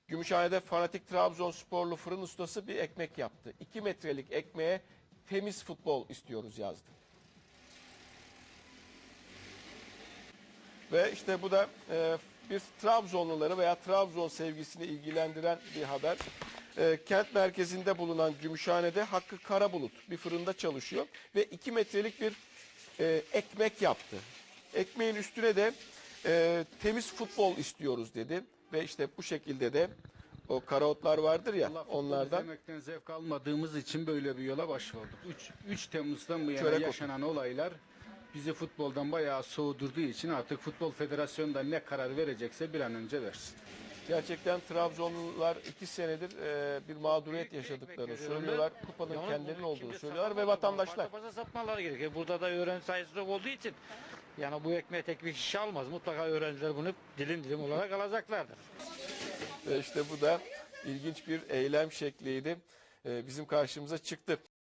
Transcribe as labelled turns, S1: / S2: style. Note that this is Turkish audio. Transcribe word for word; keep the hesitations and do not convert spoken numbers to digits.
S1: Gümüşhane'de fanatik Trabzonsporlu fırın ustası bir ekmek yaptı. iki metrelik ekmeğe temiz futbol istiyoruz yazdı. Ve işte bu da e, bir Trabzonluları veya Trabzon sevgisini ilgilendiren bir haber. E, kent merkezinde bulunan Gümüşhane'de Hakkı Karabulut bir fırında çalışıyor ve iki metrelik bir e, ekmek yaptı. Ekmeğin üstüne de e, temiz futbol istiyoruz dedi ve işte bu şekilde de o karaotlar vardır ya
S2: Allah futbol
S1: onlardan
S2: izlemekten zevk almadığımız için böyle bir yola başvurduk. üç Temmuz'dan bu yana
S1: Çörek otu.
S2: yaşanan olaylar bizi futboldan bayağı soğudurduğu için artık Futbol Federasyonu da ne karar verecekse bir an önce versin.
S1: gerçekten Trabzonlular iki senedir e, bir mağduriyet yaşadıklarını söylüyorlar. Kupanın kendilerinin olduğunu söylüyorlar ve vatandaşlar.
S3: Paşa satmaları gerekiyor. Burada da öğrenci sayısı çok olduğu için yani bu ekmeğe tek bir kişi almaz. Mutlaka öğrenciler bunu dilim dilim olarak alacaklardır.
S1: Ve işte bu da ilginç bir eylem şekliydi. E, bizim karşımıza çıktı.